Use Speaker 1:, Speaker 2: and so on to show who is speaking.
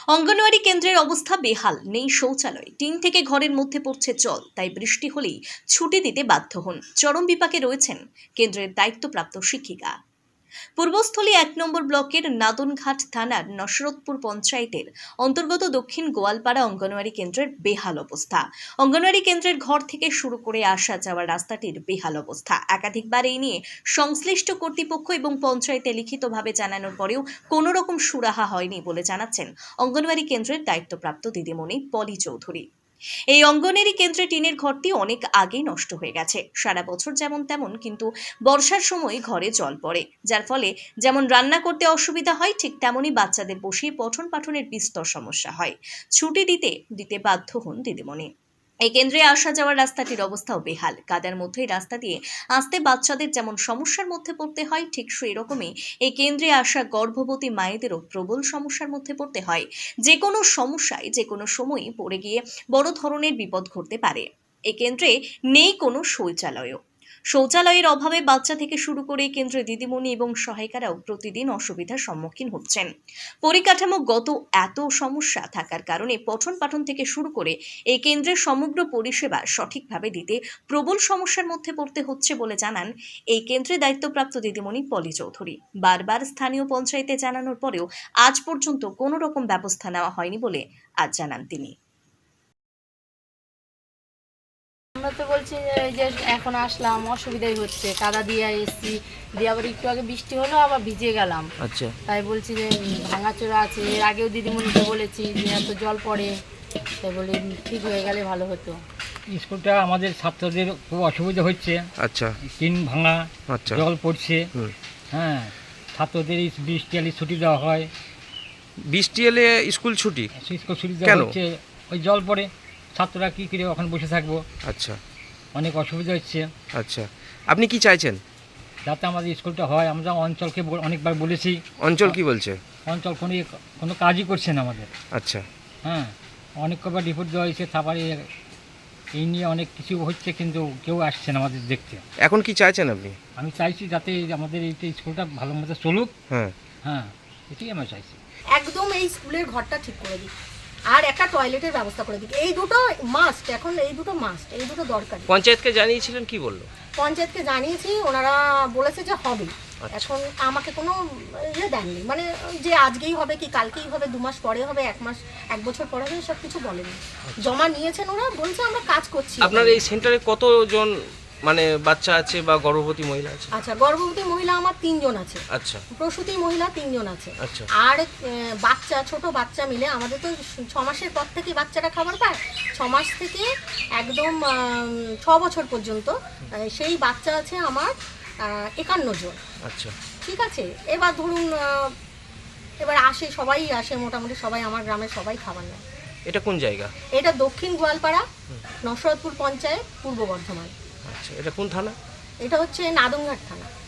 Speaker 1: অঙ্গনওয়াড়ি কেন্দ্রের অবস্থা বেহাল, নেই শৌচালয়, টিন থেকে ঘরের মধ্যে পড়ছে জল, তাই বৃষ্টি হলেই ছুটি দিতে বাধ্য হন। চরম বিপাকে রয়েছেন কেন্দ্রের দায়িত্বপ্রাপ্ত শিক্ষিকা। পূর্বস্থলী ১ নম্বর ব্লকের নাদনঘাট থানার নসরতপুর পঞ্চায়েতের অন্তর্গত দক্ষিণ গোয়ালপাড়া অঙ্গনওয়াড়ি কেন্দ্রের বেহাল অবস্থা। অঙ্গনওয়াড়ি কেন্দ্রের ঘর থেকে শুরু করে আসা যাওয়ার রাস্তাটির বেহাল অবস্থা। একাধিকবার এই নিয়ে সংশ্লিষ্ট কর্তৃপক্ষ এবং পঞ্চায়েতে লিখিতভাবে জানানোর পরেও কোনো রকম সুরাহা হয়নি বলে জানাচ্ছেন অঙ্গনওয়াড়ি কেন্দ্রের দায়িত্বপ্রাপ্ত দিদিমণি পলি চৌধুরী। এই অঙ্গনওয়াড়ি কেন্দ্রে টিনের ঘরটি অনেক আগেই নষ্ট হয়ে গেছে। সারা বছর যেমন তেমন, কিন্তু বর্ষার সময় ঘরে জল পড়ে, যার ফলে যেমন রান্না করতে অসুবিধা হয়, ঠিক তেমনই বাচ্চাদের বসিয়ে পঠন পাঠনের বিস্তর সমস্যা হয়। ছুটি দিতে বাধ্য হন দিদিমণি। এই কেন্দ্রে আসা যাওয়ার রাস্তাটির অবস্থাও বেহাল। কাদার মধ্যেই রাস্তা দিয়ে আসতে বাচ্চাদের যেমন সমস্যার মধ্যে পড়তে হয়, ঠিক সেই রকমই এই কেন্দ্রে আসা গর্ভবতী মায়েদেরও প্রবল সমস্যার মধ্যে পড়তে হয়। যে কোনো সমস্যায় যে কোনো সময়ই পড়ে গিয়ে বড় ধরনের বিপদ ঘটতে পারে। এই কেন্দ্রে নেই কোনো শৌচালয়ের অভাবে বাচ্চা থেকে শুরু করে কেন্দ্রে দিদিমণি এবং সহায়িকারাও প্রতিদিন অসুবিধার সম্মুখীন হচ্ছেন। পরিকাঠামোগত এত সমস্যা থাকার কারণে পঠন পাঠন থেকে শুরু করে এই কেন্দ্রের সমগ্র পরিষেবা সঠিকভাবে দিতে প্রবল সমস্যার মধ্যে পড়তে হচ্ছে বলে জানান এই কেন্দ্রে দায়িত্বপ্রাপ্ত দিদিমণি পলি চৌধুরী। বারবার স্থানীয় পঞ্চায়েতে জানানোর পরেও আজ পর্যন্ত কোনো রকম ব্যবস্থা নেওয়া হয়নি বলে আজ জানান তিনি।
Speaker 2: আমরা তো বলছি যে এই যে এখন আসলাম, অসুবিধাই হচ্ছে, কাদা দিয়ে এসছি, দিয়ে আবার একটু আগে বৃষ্টি হলো, আবার ভিজে গেলাম।
Speaker 3: আচ্ছা,
Speaker 2: তাই বলছি যে ভাঙাচোরা আছে। এর আগেও দিদিমণিকে বলেছি যে এত জল পড়ে, তাই বলে ঠিক হয়ে গেলে ভালো হতো।
Speaker 4: স্কুলটা আমাদের ছাত্রদের খুব অসুবিধা হচ্ছে।
Speaker 3: আচ্ছা,
Speaker 4: টিন ভাঙা,
Speaker 3: আচ্ছা,
Speaker 4: জল পড়ছে।
Speaker 3: হুম।
Speaker 4: হ্যাঁ, ছাত্রদের এই বৃষ্টি এলে ছুটি দেওয়া হয়।
Speaker 3: বৃষ্টি এলে স্কুল ছুটি
Speaker 4: স্কুল ছুটি
Speaker 3: কেন?
Speaker 4: দেওয়া হচ্ছে, ওই জল পড়ে, ছাত্ররা কী করে ওখানে বসে থাকবো,
Speaker 3: আচ্ছা,
Speaker 4: অনেক অসুবিধা হচ্ছে।
Speaker 3: আচ্ছা, আপনি কি চাইছেন?
Speaker 4: যাতে আমাদের স্কুলটা হয়। আমরা অঞ্চলকে অনেকবার বলেছি,
Speaker 3: অঞ্চল কি বলছে?
Speaker 4: অঞ্চল কোনো কাজই করছে না আমাদের।
Speaker 3: আচ্ছা,
Speaker 4: হ্যাঁ, অনেক কবার রিপোর্ট দেওয়া হয়েছে, তারপরে এই নিয়ে অনেক কিছু হচ্ছে, কিন্তু কেউ আসছে না আমাদের দেখতে।
Speaker 3: এখন কি চাইছেন আপনি?
Speaker 4: আমি চাইছি যাতে আমাদের এই স্কুলটা ভালো মতো চলুক।
Speaker 3: হ্যাঁ,
Speaker 4: হ্যাঁ, এটাই আমরা চাইছি।
Speaker 5: একদম এই স্কুলের ঘরটা ঠিক করে দিক আর একটা টয়লেটের ব্যবস্থা করে দিক। এই দুটো মাস্ট, এখন এই দুটো দরকার।
Speaker 3: পঞ্চায়েতকে জানিয়েছিলেন, কি বললো?
Speaker 5: পঞ্চায়েতকে জানিয়েছি, ওনারা বলেছে যে হবে। এখন আমাকে কোনো ইয়ে দেননি, মানে যে আজকেই হবে কি কালকেই হবে, 2 মাস পরে হবে, 1 মাস 1 বছর পরে হবে, সব কিছু বলেনি। জমা নিয়েছেন ওরা, বলছে আমরা কাজ করছি।
Speaker 3: আপনার এই সেন্টারে কতজন মানে বাচ্চা আছে বা গর্ভবতী মহিলা আছে?
Speaker 5: আচ্ছা, গর্ভবতী মহিলা আমার 3 জন আছে।
Speaker 3: আচ্ছা,
Speaker 5: প্রসূতি মহিলা 3 জন আছে।
Speaker 3: আচ্ছা,
Speaker 5: আর বাচ্চা, ছোট বাচ্চা মিলে আমাদের তো 6 মাসের পর থেকে বাচ্চারা খাবার পায়। 6 মাস থেকে একদম 6 বছর পর্যন্ত সেই বাচ্চা আছে আমার 51 জন।
Speaker 3: আচ্ছা,
Speaker 5: ঠিক আছে। এবার ধরুন এবার সবাই আসে, মোটামুটি সবাই আমার গ্রামের সবাই খাবার নেয়।
Speaker 3: এটা কোন জায়গা?
Speaker 5: এটা দক্ষিণ গোয়ালপাড়া, নসরতপুর পঞ্চায়েত, পূর্ব বর্ধমান।
Speaker 3: আচ্ছা, এটা কোন থানা?
Speaker 5: এটা হচ্ছে নাদনঘাট থানা।